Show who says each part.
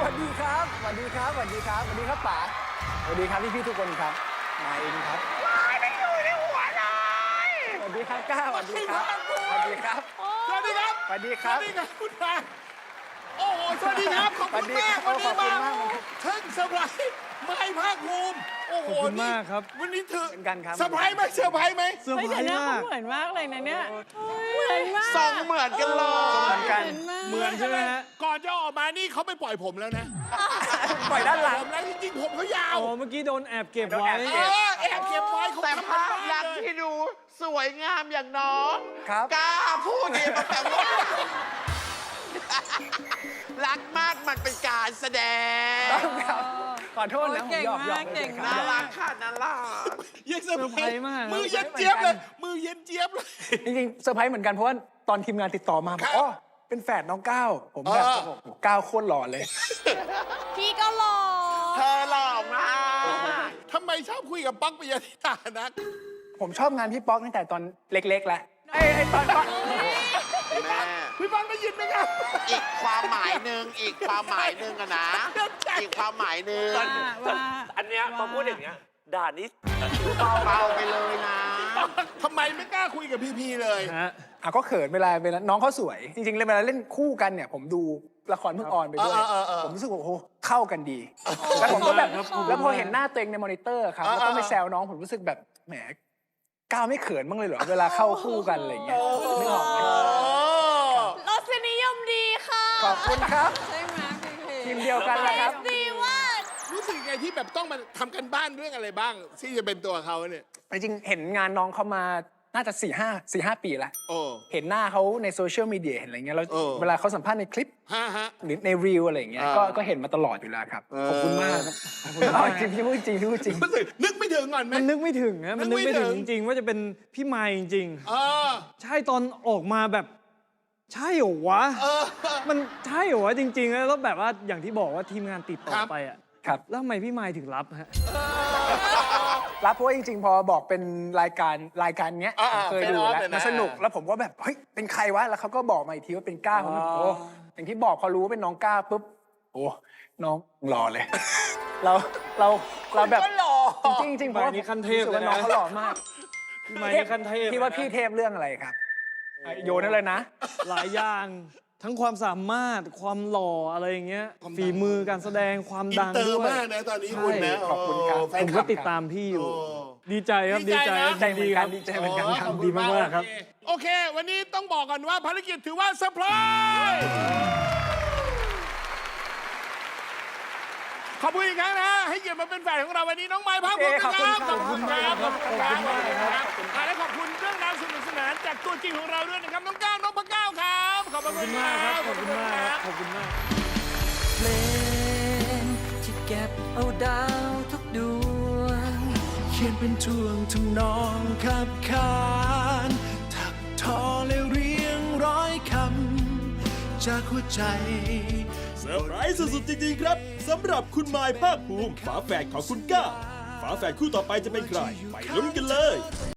Speaker 1: วัสดีครับสวัสดีครับสวัสดีครับสวัสดีครับป๋าสวัสดีครับพี่ทุกคนครับมาเองครับไม่อยู่ในหัวเลยสวัสดีครับก้าสวัสดีครับสวัสดีครับ
Speaker 2: สวัสดีครับ
Speaker 1: สวัสดีครับ
Speaker 2: สวัสดีครับคุณตาโอ้โหสวัสดีครับขอบคุณมากวันนี้มาทั้งเซอร์ไพรส์ไม่ภาคภูมิโอ้โห
Speaker 3: ขอบคุณมากครับ
Speaker 2: วันนี้เธอ
Speaker 1: เป็นกันครับ
Speaker 2: เซอร์ไพรส์ไหมเซอร์ไพรส์ไหม
Speaker 3: เซอร์
Speaker 4: เฮ้ย
Speaker 3: ไพร
Speaker 4: แต่ห
Speaker 3: ส์
Speaker 4: น้าเขา
Speaker 3: มาก
Speaker 4: เหมือนมากเลยนะเนี่ยเหมือนมาก
Speaker 5: ทรงเหมือนกันเลย
Speaker 1: เหมือนกัน
Speaker 3: เหมือนใช่ไหมฮะ
Speaker 2: ก่อนจะออกมานี่เขาไปปล่อยผมแล้วนะ
Speaker 1: ปล่อยด้านหลัง
Speaker 2: ผมแล้วจริงๆผมเขายาว
Speaker 3: อ๋อเมื่อกี้โดนแอบเก็บไว้
Speaker 2: แอบเก็บไว้เขา
Speaker 5: แต่
Speaker 2: ทำ
Speaker 5: ภาพ
Speaker 2: กัน
Speaker 5: ลักษณ์ที่ดูสวยงามอย่างน้อง
Speaker 1: ครับ
Speaker 5: กล้าพูดดีแต่ว่ารักมากมันเป็นการแสดง
Speaker 1: ต้องครับขอโทษนะผม
Speaker 4: เก่ง
Speaker 1: หยอก
Speaker 4: มากเก่ง
Speaker 5: น่าม
Speaker 4: าก
Speaker 5: รักค่ะน่ารัก
Speaker 2: ยังเซอร์ไพร
Speaker 3: เซอร์ไพรส์
Speaker 2: ส์
Speaker 3: มาก
Speaker 2: มือเย็นเจี๊ยบเลยมือเย็นเจี๊ยบเลย
Speaker 1: จริงๆเซอร์ไพรส์เหมือนกันเพราะว่าตอนทีมงานติดต่อมาบอกอ๋อเป็นแฝดน้องก้าวผมแบบโอ้โหก้าวโคตรหล่อเลย
Speaker 4: พี่ก็หล่อ
Speaker 5: เธอหล่อมาก
Speaker 2: ทำไมชอบคุยกับป๊อกปิยธิดานะ
Speaker 1: ผมชอบงานพี่ป๊อกตั้งแต่ตอนเล็กๆแล้วไอ้ตอน
Speaker 5: แม่
Speaker 2: พี่ป๊อกได้ยินไหมครับ
Speaker 5: อีกความหมายหนึ่งอีกความหมายหนึ่งอะนะ อีกความหมายหนึ่ง
Speaker 4: ว่า
Speaker 6: อันเนี้ยมาพูดอย่างเงี้ยด่านี้
Speaker 5: เบาไปเลยนะ
Speaker 2: ทำไมไม่กล้าคุยกับพี่พีเลย
Speaker 3: ฮะ
Speaker 1: ก็เขินเวลาน้องเขาสวย จริงๆเวลาเล่นคู่กันเนี่ย ผมดูละครเพิ่งออนไปด้วย ผมรู้สึกว่าโอ้โหเข้ากันดี แล้วผมก็แบบ
Speaker 3: ครับ
Speaker 1: แล้วพอเห็นหน้าตัวเองในมอนิเตอร์ครับแล้วต้องไปแซวน้องผมรู้สึกแบบแหมก้าวไม่เขินบ้างเลยเหรอเวลาเข้าคู่กันอะไรอย่างเงี้ยนึกออกไหม
Speaker 4: รสนิยมดีค่ะ
Speaker 1: ขอบคุณครับ
Speaker 4: ใช่ไหมพี่
Speaker 1: ทีมเดียวกันแหละครับ
Speaker 4: ดีว่า
Speaker 2: รู้สึกไงที่แบบต้องมาทำกันบ้านเรื่องอะไรบ้าง ที่จะเป็นตัวเขาเนี่ย
Speaker 1: จริงๆเห็นงานน้องเขามาน่าจะ4-5 ปีแล้ว
Speaker 2: โอ้
Speaker 1: เห็นหน้าเขาในโซเชียลมีเดียเห็นอะไรเงี้ยแล้ว
Speaker 2: เออ
Speaker 1: เวลาเขาสัมภาษณ์ในคลิป
Speaker 2: ฮะ
Speaker 1: หรือในรีวอะไรอย่างเงี้ยก็เห็นมาตลอดอยู่แล้วครับขอบคุณมากครับจริงพี่พูดจริงพี่พูดจริง
Speaker 2: รู้สึกนึกไม่ถึงก่อนไหม
Speaker 3: มันนึกไม่ถึงนะมันนึกไม่ถึง
Speaker 2: นึกไม่ถึ
Speaker 3: จ
Speaker 2: ง
Speaker 3: ริงๆว่าจะเป็นพี่ไมค์จริง
Speaker 2: เออ
Speaker 3: ๆใช่ตอนออกมาแบบ ใช่เหรอวะ มันใช่เหรอวะจริงๆแล้วแบบว่าอย่างที่บอกว่าทีมงานติดต่อไปอ่ะ
Speaker 1: ครับ
Speaker 3: แล้วทำไมพี่ไมค์ถึงรับฮะ
Speaker 1: รับเพราะว่าจริงๆ พอบอกเป็นรายการเนี้ยผมเคยดูแล้วมันสนุกแล้วผมก็แบบเฮ้ยเป็นใครวะแล้วเขาก็บอกมาอีกทีว่าเป็นก้าวผมโอ้อย่างที่บอกพอรู้ว่าเป็นน้องก้าวปุ๊บโอ้น้องหล่อเลย เราแบบจริงๆเพราะว่า
Speaker 3: นี่ขั้นเทพ
Speaker 1: รู้สึกว่า
Speaker 3: เลยนะ
Speaker 1: น้องเขาหล่อมาก
Speaker 3: พี่ไมค์นี่ขั้นเทพ
Speaker 1: พี่ว่าพี่เทพเรื่องอะไรครับโยนนั่นเลยนะ
Speaker 3: หลายอย่างทั้งความสามารถความหล่ออะไรอย่างเงี้ยฝีมือการแสดงความ
Speaker 2: อิน
Speaker 3: ดัง
Speaker 2: เตอ
Speaker 3: ด้
Speaker 2: ร์
Speaker 3: วย
Speaker 2: มากนะตอนนี้คุณนะ
Speaker 1: ขอบคุณครับ
Speaker 2: แฟ
Speaker 3: ผ
Speaker 2: น
Speaker 3: ม
Speaker 2: คลั
Speaker 3: ก็
Speaker 2: บ
Speaker 3: ติดตามพี่อยู่
Speaker 2: โอ้
Speaker 3: ดีใจครับ
Speaker 2: ดี
Speaker 3: ดี
Speaker 2: ใจ
Speaker 3: ใจ
Speaker 2: นะ
Speaker 3: ครับ
Speaker 1: ใจเหมือนกัน
Speaker 3: ดี
Speaker 1: ดีใจเหมือนกันครับ
Speaker 2: ขอบคุณ
Speaker 3: ดีมากๆครับ
Speaker 2: โอเค วันนี้ต้องบอกก่อนว่าภารกิจถือว่าเซอร์ไพรส์ขอบคุณอีกครั้งนะ ให้เกียรติมาเป็นแฟนของเราวันนี้น้องไม้พักผมนะครับ
Speaker 1: ขอบคุณครับ
Speaker 2: ขอบคุณครับและขอบคุณเรื่องราวสนุกสนานจากตัวจริงของเราด้วยนะครับน้องก้าวน้องพะก้าวครับ ขอบ
Speaker 3: ขอบ
Speaker 2: คุ
Speaker 3: คุณ ณมากครับ ขอบคุณมากครับ ขอบคุณมาก
Speaker 7: เพลงที่เก็บเอาดาวทุกดวง เขียนเป็นท่วงทำนองขับขานถักทอและเรียงร้อยคำจากหัวใจ
Speaker 8: เซอร์ไพรส์สุดๆจริงๆครับสำหรับคุณมายภาคภูมิฝาแฝดของคุณก้าฝาแฝดคู่ต่อไปจะเป็นใคร ไปลุ้นกันเลย